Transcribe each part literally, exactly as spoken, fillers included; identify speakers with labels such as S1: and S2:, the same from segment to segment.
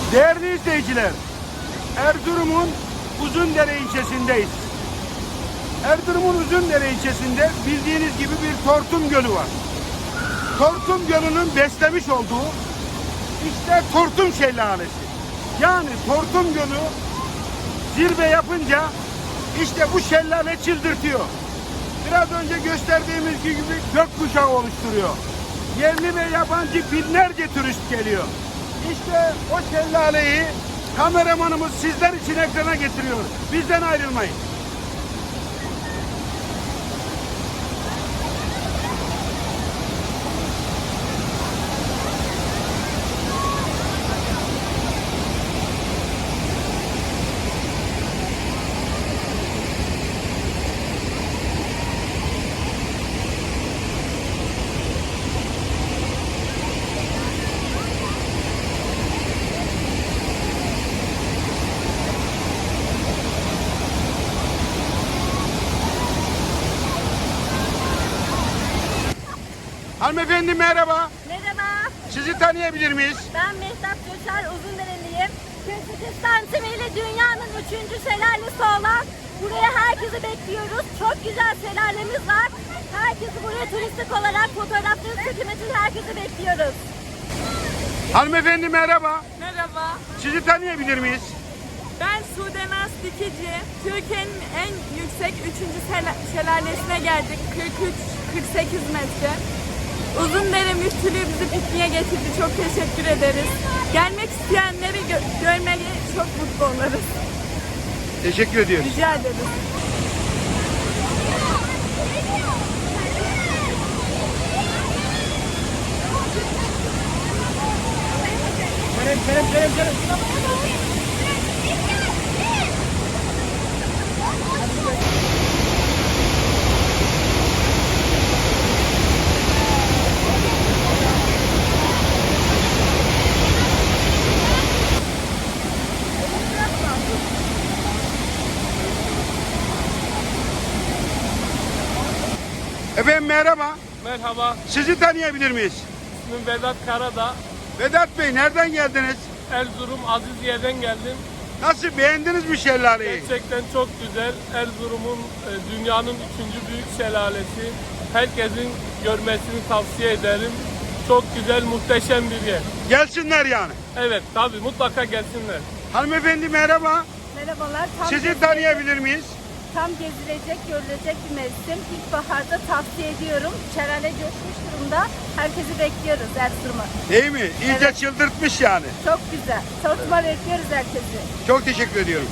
S1: Değerli izleyiciler, Erzurum'un Uzundere ilçesindeyiz. Erzurum'un Uzundere ilçesinde bildiğiniz gibi bir Tortum Gölü var. Tortum Gölü'nün beslemiş olduğu işte Tortum Şelalesi. Yani Tortum Gölü zirve yapınca işte bu şelale çıldırtıyor. Biraz önce gösterdiğimiz gibi gökkuşağı oluşturuyor. Yerli ve yabancı binlerce turist geliyor. İşte o şelaleyi kameramanımız sizler için ekrana getiriyor. Bizden ayrılmayın. Hanımefendi merhaba.
S2: Merhaba,
S1: Sizi tanıyabilir miyiz?
S2: ben Mehtap Göçer, Uzundereliyim. Kırk santimiyle dünyanın üçüncü şelalesi olan buraya herkesi bekliyoruz. Çok güzel şelalemiz var. Herkesi buraya turistik olarak fotoğrafları çekmek için herkesi bekliyoruz.
S1: Hanımefendi merhaba.
S3: Merhaba,
S1: Sizi tanıyabilir miyiz?
S3: ben Sude Naz Dikici. Türkiye'nin en yüksek üçüncü şelalesine geldik. kırk üç kırk sekiz metre. Uzundere Müftülüğü bizi pikniğe getirdi. Çok teşekkür ederiz. Gelmek isteyenleri gö- görmeyi çok mutlu oluruz.
S1: Teşekkür ediyoruz.
S3: Rica ederiz.
S1: Efendim merhaba.
S4: Merhaba,
S1: Sizi tanıyabilir miyiz?
S4: ismim Vedat Karadağ.
S1: Vedat Bey nereden geldiniz?
S4: Erzurum Aziziye'den geldim.
S1: Nasıl, beğendiniz mi şelaleyi?
S4: Gerçekten çok güzel. Erzurum'un e, dünyanın üçüncü büyük şelalesi. Herkesin görmesini tavsiye ederim. Çok güzel, muhteşem bir yer.
S1: Gelsinler yani.
S4: Evet, tabii mutlaka gelsinler.
S1: Hanımefendi merhaba.
S2: Merhabalar, tam,
S1: Sizi
S2: gezilecek,
S1: tanıyabilir miyiz?
S2: tam gezilecek, görülecek bir mevsim. İlkbaharda tavsiye ediyorum. Şelale coşmuş durumda. Herkesi bekliyoruz Erzurum'a.
S1: Değil mi? İyice
S2: Evet.
S1: çıldırtmış yani.
S2: Çok güzel. Tortum'a bekliyoruz herkesi.
S1: Çok teşekkür ediyorum.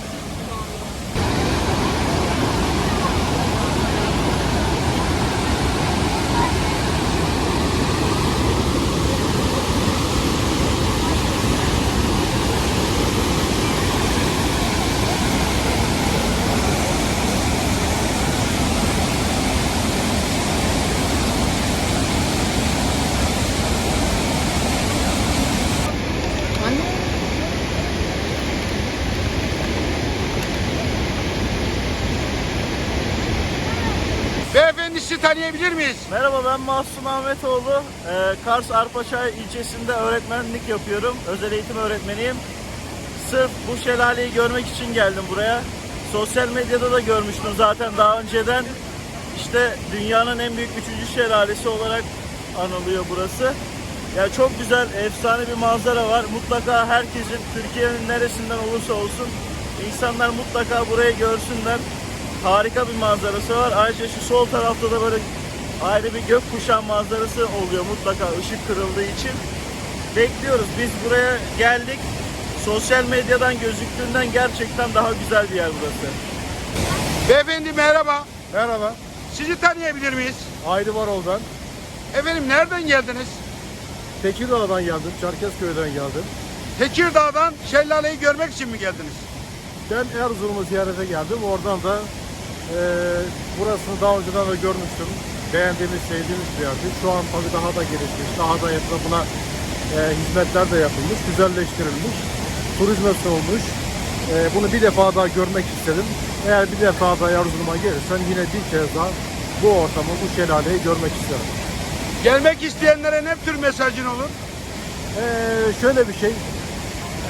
S1: Beyefendi sizi tanıyabilir miyiz?
S5: Merhaba, ben Mahsun Ahmetoğlu. Ee, Kars Arpaçay ilçesinde öğretmenlik yapıyorum. Özel eğitim öğretmeniyim. Sırf bu şelaleyi görmek için geldim buraya. Sosyal medyada da görmüştüm zaten daha önceden. İşte dünyanın en büyük üçüncü şelalesi olarak anılıyor burası. Ya çok güzel, efsane bir manzara var. Mutlaka herkesin, Türkiye'nin neresinden olursa olsun, insanlar mutlaka burayı görsünler. Harika bir manzarası var. Ayrıca şu sol tarafta da böyle ayrı bir gökkuşağı manzarası oluyor mutlaka ışık kırıldığı için. Bekliyoruz. Biz buraya geldik. Sosyal medyadan gözüktüğünden gerçekten daha güzel bir yer burası.
S1: Beyefendi merhaba.
S6: Merhaba,
S1: Sizi tanıyabilir miyiz?
S6: Haydi Varol'dan.
S1: Efendim nereden geldiniz?
S6: Tekirdağ'dan geldim, Çerkezköy'den geldim.
S1: Tekirdağ'dan şelaleyi görmek için mi geldiniz?
S6: Ben Erzurum'u ziyarete geldim. Oradan da e, burasını daha önceden de görmüştüm. Beğendiğimiz, sevdiğimiz bir yerdi. Şu an tabii daha da gelişmiş, daha da etrafına e, hizmetler de yapılmış, güzelleştirilmiş, turizme sunulmuş. E, bunu bir defa daha görmek istedim. Eğer bir defa daha Erzurum'a gelirsem yine bir kez daha bu ortamı, bu şelaleyi görmek isterim.
S1: Gelmek isteyenlere ne tür mesajın olur?
S6: Ee, şöyle bir şey,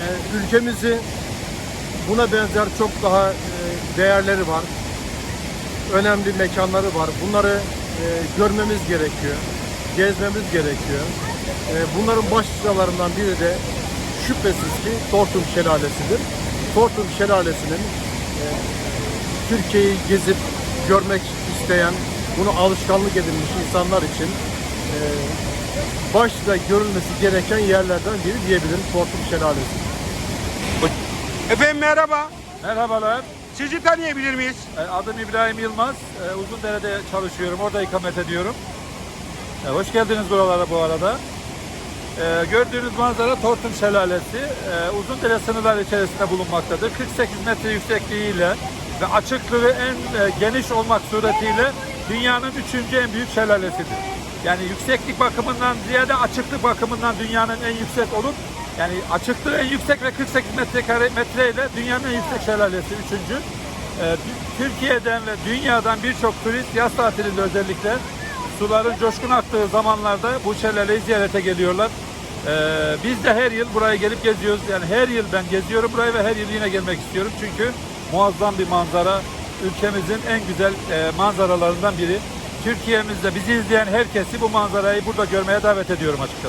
S6: ülkemizin buna benzer çok daha e, değerleri var. Önemli mekanları var. Bunları e, görmemiz gerekiyor. Gezmemiz gerekiyor. E, bunların başlıcalarından biri de şüphesiz ki Tortum Şelalesi'dir. Tortum Şelalesi'nin e, Türkiye'yi gezip görmek isteyen, bunu alışkanlık edinmiş insanlar için e, başta görülmesi gereken yerlerden biri diyebilirim Tortum Şelalesi.
S1: Efendim merhaba.
S7: Merhabalar,
S1: Sizi tanıyabilir miyiz?
S7: E, adım İbrahim Yılmaz. E, Uzundere'de çalışıyorum, orada ikamet ediyorum. E, Hoş geldiniz buralara bu arada. E, Gördüğünüz manzara Tortum Şelalesi. E, Uzundere sınırları içerisinde bulunmaktadır. kırk sekiz metre yüksekliğiyle ve açıklığı en e, geniş olmak suretiyle dünyanın üçüncü en büyük şelalesidir. Yani yükseklik bakımından ziyade açıklık bakımından dünyanın en yüksek olup, yani açıklığı en yüksek ve kırk sekiz metrekare metre ile dünyanın en yüksek şelalesi üçüncü. Ee, Türkiye'den ve dünyadan birçok turist yaz tatilinde özellikle suların coşkun aktığı zamanlarda bu şelaleyi ziyarete geliyorlar. Ee, biz de her yıl buraya gelip geziyoruz. Yani her yıl ben geziyorum burayı ve her yıl yine gelmek istiyorum. Çünkü muazzam bir manzara. Ülkemizin en güzel e, manzaralarından biri. Türkiye'mizde bizi izleyen herkesi bu manzarayı burada görmeye davet ediyorum açıkçası.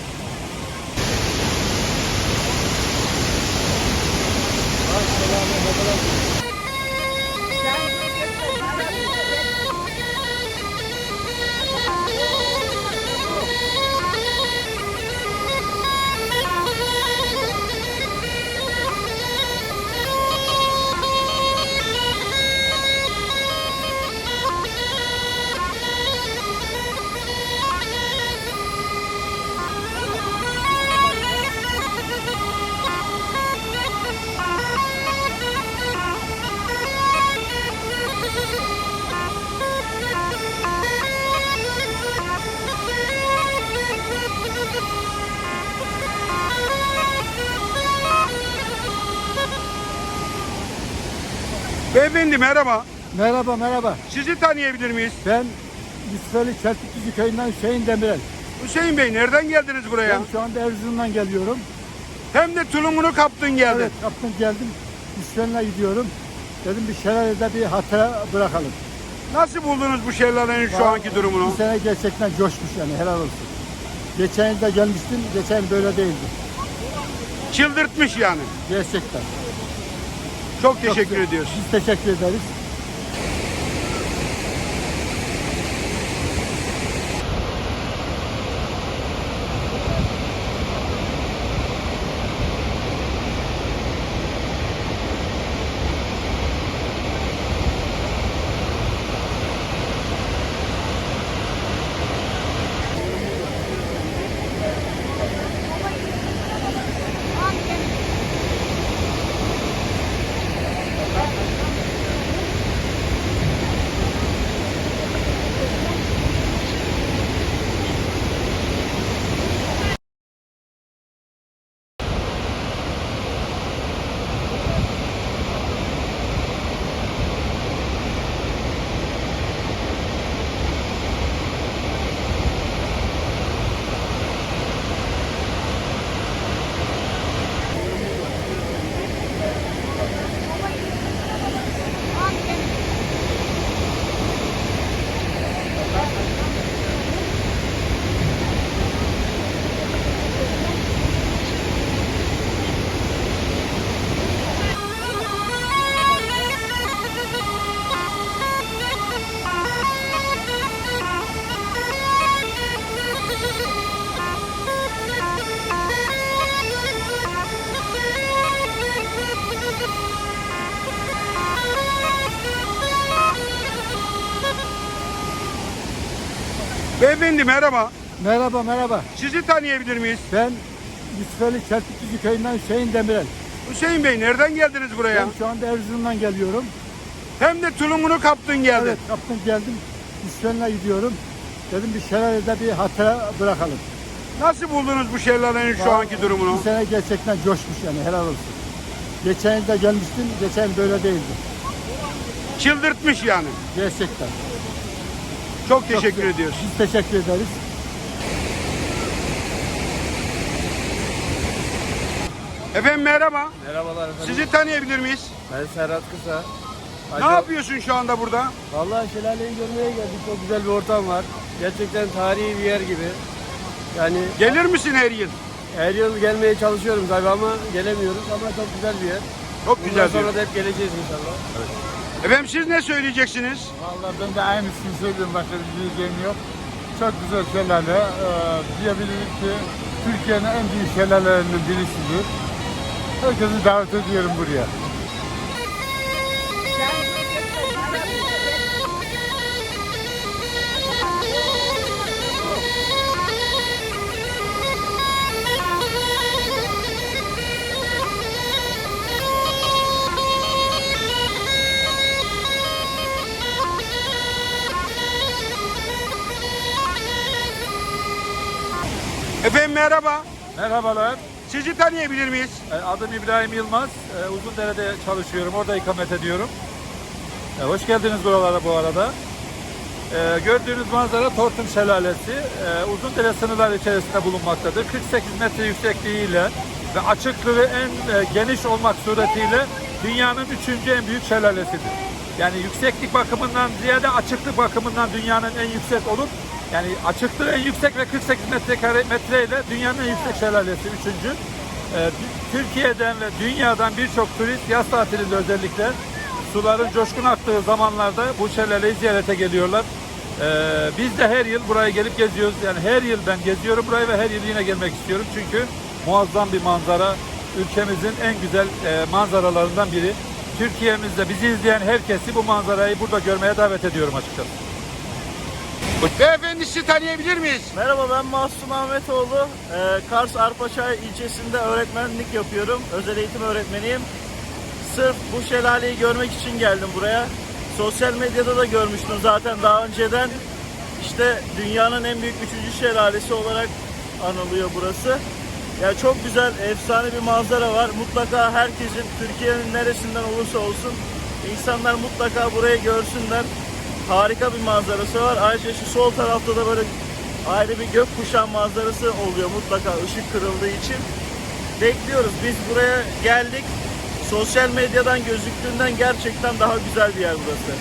S1: Beyefendi merhaba.
S8: Merhaba merhaba.
S1: Sizi tanıyabilir miyiz?
S8: Ben Yusufeli Çeltikçi köyünden Hüseyin Demirel.
S1: Hüseyin Bey nereden geldiniz buraya?
S8: Ben şu anda Erzurum'dan geliyorum.
S1: Hem de tulumunu kaptın geldin.
S8: Evet kaptım geldim. Yusufeli'ne gidiyorum. Dedim bir şelalede bir hatıra bırakalım.
S1: Nasıl buldunuz bu şelalenin şu anki durumunu?
S8: Bu sene gerçekten coşmuş yani helal olsun. Geçen yıl da gelmiştim. Geçen yıl böyle değildi.
S1: Çıldırtmış yani.
S8: Gerçekten.
S1: Çok teşekkür ediyoruz.
S8: Biz teşekkür ederiz.
S1: Beyefendi merhaba.
S8: Merhaba merhaba.
S1: Sizi tanıyabilir miyiz?
S8: Ben Yusufeli Çeltikçi köyünden Hüseyin Demirel.
S1: Hüseyin Bey nereden geldiniz buraya?
S8: Ben şu anda Erzurum'dan geliyorum.
S1: Hem de tulumunu kaptın geldin.
S8: Evet kaptım geldim. Yusufeli'ne gidiyorum. Dedim bir şelalede bir hatıra bırakalım.
S1: Nasıl buldunuz bu şelalenin şu anki durumunu?
S8: Bu sene gerçekten coşmuş yani helal olsun. Geçen yıl da gelmiştim. Geçen yıl böyle değildi.
S1: Çıldırtmış yani.
S8: Gerçekten.
S1: Çok teşekkür ediyoruz.
S8: Biz teşekkür ederiz.
S1: Efendim merhaba.
S9: Merhabalar efendim.
S1: Sizi tanıyabilir miyiz?
S9: Ben Serhat Kısa.
S1: Ne yapıyorsun şu anda burada?
S9: Vallahi şelaleyi görmeye geldik. Çok güzel bir ortam var. Gerçekten tarihi bir yer gibi. Yani
S1: Gelir misin her yıl?
S9: her yıl gelmeye çalışıyorum tabii ama gelemiyoruz ama çok güzel bir yer.
S1: Çok
S9: Bundan
S1: güzel
S9: sonra
S1: diyor.
S9: da hep geleceğiz inşallah.
S1: Efendim siz ne söyleyeceksiniz?
S6: Vallahi ben de aynısını söylüyorum. Başka bir diyeceğim yok. Çok güzel şelale. Ee, diyebiliriz ki Türkiye'nin en büyük şelalelerinden birisidir. Herkesi davet ediyorum buraya.
S1: Efendim merhaba.
S7: Merhabalar.
S1: Sizi tanıyabilir miyiz?
S7: E, Adım İbrahim Yılmaz. E, Uzundere'de çalışıyorum. Orada ikamet ediyorum. E, Hoş geldiniz buralara bu arada. E, Gördüğünüz manzara Tortum Şelalesi. E, Uzundere sınırları içerisinde bulunmaktadır. kırk sekiz metre yüksekliğiyle ve açıklığı en e, geniş olmak suretiyle dünyanın üçüncü en büyük şelalesidir. Yani yükseklik bakımından ziyade açıklık bakımından dünyanın en yüksek olup yani açıklığı en yüksek ve kırk sekiz metrekare metre ile dünyanın en yüksek şelalesi üçüncü. Ee, Türkiye'den ve dünyadan birçok turist yaz tatilinde özellikle suların coşkun aktığı zamanlarda bu şelaleyi ziyarete geliyorlar. Ee, biz de her yıl buraya gelip geziyoruz. Yani her yıl ben geziyorum burayı ve her yıl yine gelmek istiyorum. Çünkü muazzam bir manzara. Ülkemizin en güzel e, manzaralarından biri. Türkiye'mizde bizi izleyen herkesi bu manzarayı burada görmeye davet ediyorum açıkçası.
S1: Beyefendi sizi tanıyabilir miyiz?
S5: Merhaba, ben Mahsun Ahmetoğlu. Ee, Kars Arpaçay ilçesinde öğretmenlik yapıyorum. Özel eğitim öğretmeniyim. Sırf bu şelaleyi görmek için geldim buraya. Sosyal medyada da görmüştüm zaten daha önceden. İşte dünyanın en büyük üçüncü şelalesi olarak anılıyor burası. Yani çok güzel, efsane bir manzara var. Mutlaka herkesin, Türkiye'nin neresinden olursa olsun insanlar mutlaka burayı görsünler. Harika bir manzarası var. Ayrıca şu sol tarafta da böyle ayrı bir gökkuşağı manzarası oluyor mutlaka ışık kırıldığı için. Bekliyoruz. Biz buraya geldik. Sosyal medyadan gözüktüğünden gerçekten daha güzel bir yer burası.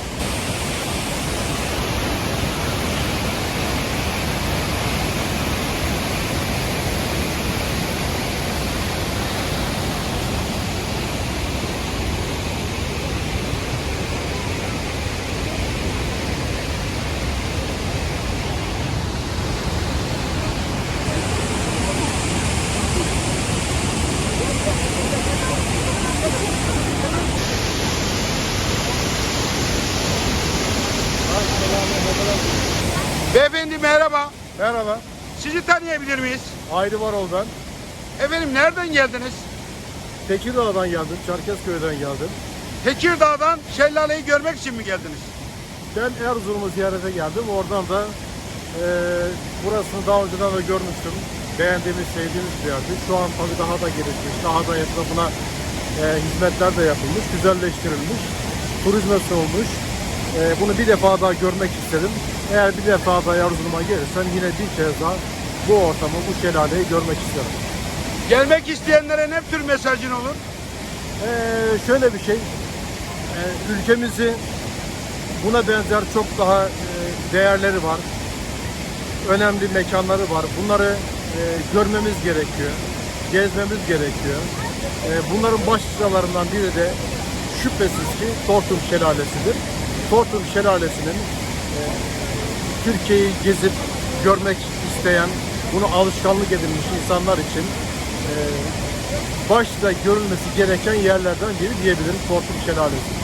S1: Beyefendi merhaba.
S6: Merhaba.
S1: Sizi tanıyabilir miyiz?
S6: Hayri Varol ben.
S1: Efendim nereden geldiniz?
S6: Tekirdağ'dan geldim. Çerkezköy'den geldim.
S1: Tekirdağ'dan şelaleyi görmek için mi geldiniz?
S6: Ben Erzurum'u ziyarete geldim. Oradan da e, burasını daha önceden de görmüştüm. Beğendiğimiz, sevdiğimiz bir yerdi. Şu an tabii daha da gelişmiş. Daha da etrafına e, hizmetler de yapılmış. Güzelleştirilmiş. Turizme sunulmuş. E, bunu bir defa daha görmek istedim. Eğer bir defa daha Erzurum'a gelirsem yine bir kez daha bu ortamı, bu şelaleyi görmek isterim.
S1: Gelmek isteyenlere ne tür mesajın olur?
S6: Ee, şöyle bir şey, ee, ülkemizi buna benzer çok daha e, değerleri var, önemli mekanları var. Bunları e, görmemiz gerekiyor, gezmemiz gerekiyor. E, bunların başlıcalarından biri de şüphesiz ki Tortum Şelalesi'dir. Tortum Şelalesi'nin e, Türkiye'yi gezip görmek isteyen, bunu alışkanlık edilmiş insanlar için e, başta görülmesi gereken yerlerden biri diyebilirim Tortum Şelalesi.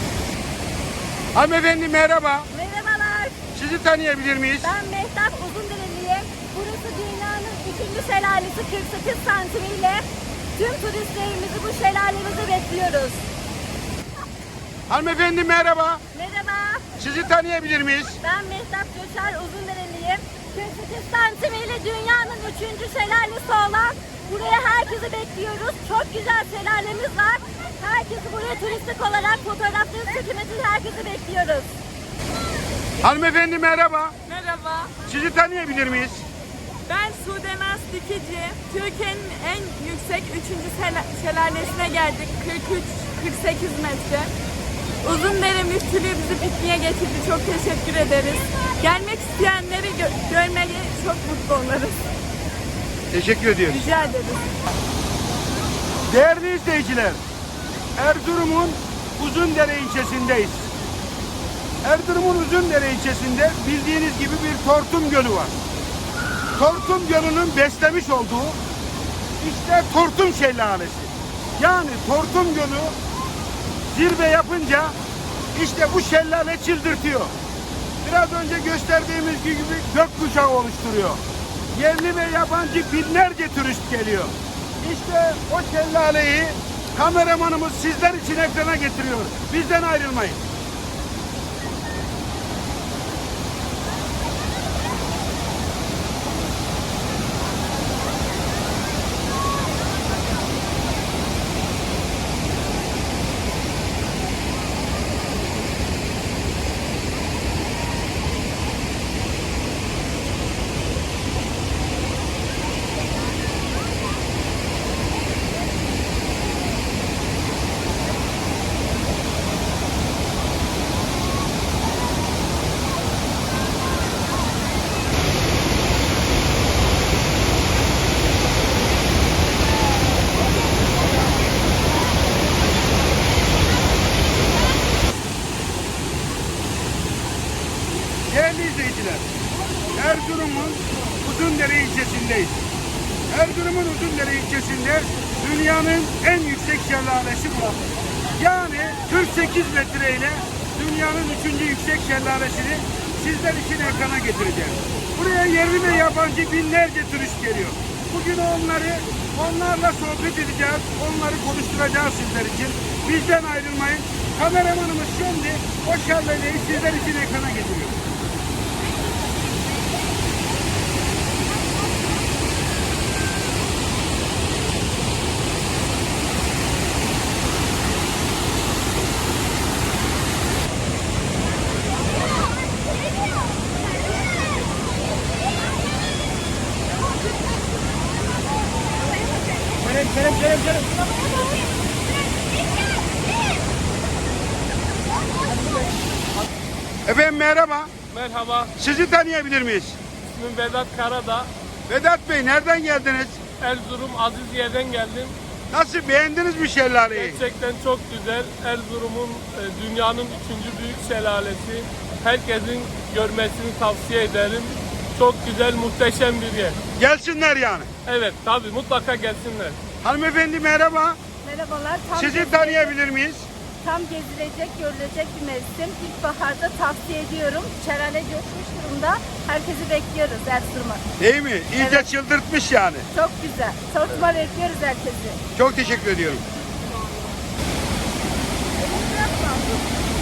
S1: Hanımefendi merhaba.
S2: Merhabalar.
S1: Sizi tanıyabilir miyiz?
S2: Ben Mehtap Uzundereliyim. Burası dünyanın üçüncü şelalesi kırk sekiz santimiyle. Tüm turistlerimizi bu şelalemize bekliyoruz.
S1: Hanımefendi merhaba.
S2: Merhaba.
S1: Sizi tanıyabilir miyiz?
S2: Ben Mehtap Göçer Uzundereliyim. kırk sekiz santimiyle dünyanın üçüncü şelalesi olan buraya herkesi bekliyoruz. Çok güzel şelalemiz var. Herkesi buraya turistik olarak fotoğrafları çekmek için herkesi bekliyoruz.
S1: Hanımefendi merhaba.
S3: Merhaba.
S1: Sizi tanıyabilir miyiz?
S3: Ben Sudenaz Dikici. Türkiye'nin en yüksek üçüncü şelalesine geldik. kırk üç kırk sekiz metre. Uzundere Müftülüğü bizi pikniğe getirdi. Çok teşekkür ederiz. Gelmek isteyenleri gö görmeye çok mutlu oluruz.
S1: Teşekkür ediyoruz.
S3: Rica ederiz.
S1: Değerli izleyiciler, Erzurum'un Uzundere ilçesindeyiz. Erzurum'un Uzundere ilçesinde bildiğiniz gibi bir Tortum Gölü var. Tortum Gölü'nün beslemiş olduğu işte Tortum Şelalesi. Yani Tortum Gölü zirve yapınca işte bu şelale çıldırtıyor. Biraz önce gösterdiğimiz gibi gökkuşağı oluşturuyor. Yerli ve yabancı binlerce turist geliyor. İşte o şelaleyi kameramanımız sizler için ekrana getiriyor. Bizden ayrılmayın. Değerli izleyiciler, Erzurum'un Uzundere ilçesindeyiz. Erzurum'un Uzundere ilçesinde dünyanın en yüksek şelalesi burası. Yani kırk sekiz metre ile dünyanın üçüncü yüksek şelalesini sizler için ekrana getireceğim. Buraya yerli ve yabancı binlerce turist geliyor. Bugün onları, onlarla sohbet edeceğiz, onları konuşturacağız sizler için. Bizden ayrılmayın. Kameramanımız şimdi o şelaleyi sizler için ekrana getiriyor. Efendim merhaba.
S4: Merhaba,
S1: Sizi tanıyabilir miyiz?
S4: ismim Vedat Karadağ.
S1: Vedat Bey nereden geldiniz?
S4: Erzurum Aziziye'den geldim.
S1: Nasıl, beğendiniz mi şelaleyi?
S4: Gerçekten çok güzel. Erzurum'un e, dünyanın üçüncü büyük şelalesi. Herkesin görmesini tavsiye ederim. Çok güzel, muhteşem bir yer.
S1: Gelsinler yani.
S4: Evet, tabii mutlaka gelsinler.
S1: Hanımefendi merhaba.
S2: Merhabalar. Tam
S1: Sizi
S2: gezilecek-
S1: tanıyabilir miyiz?
S2: Tam gezilecek, görülecek bir mevsim. İlkbaharda tavsiye ediyorum. Şelale coşmuş durumda. Herkesi bekliyoruz Erzurum'a.
S1: Değil mi? İyice
S2: Evet.
S1: çıldırtmış yani.
S2: Çok güzel. Tortum'a bekliyoruz herkesi.
S1: Çok teşekkür ediyorum.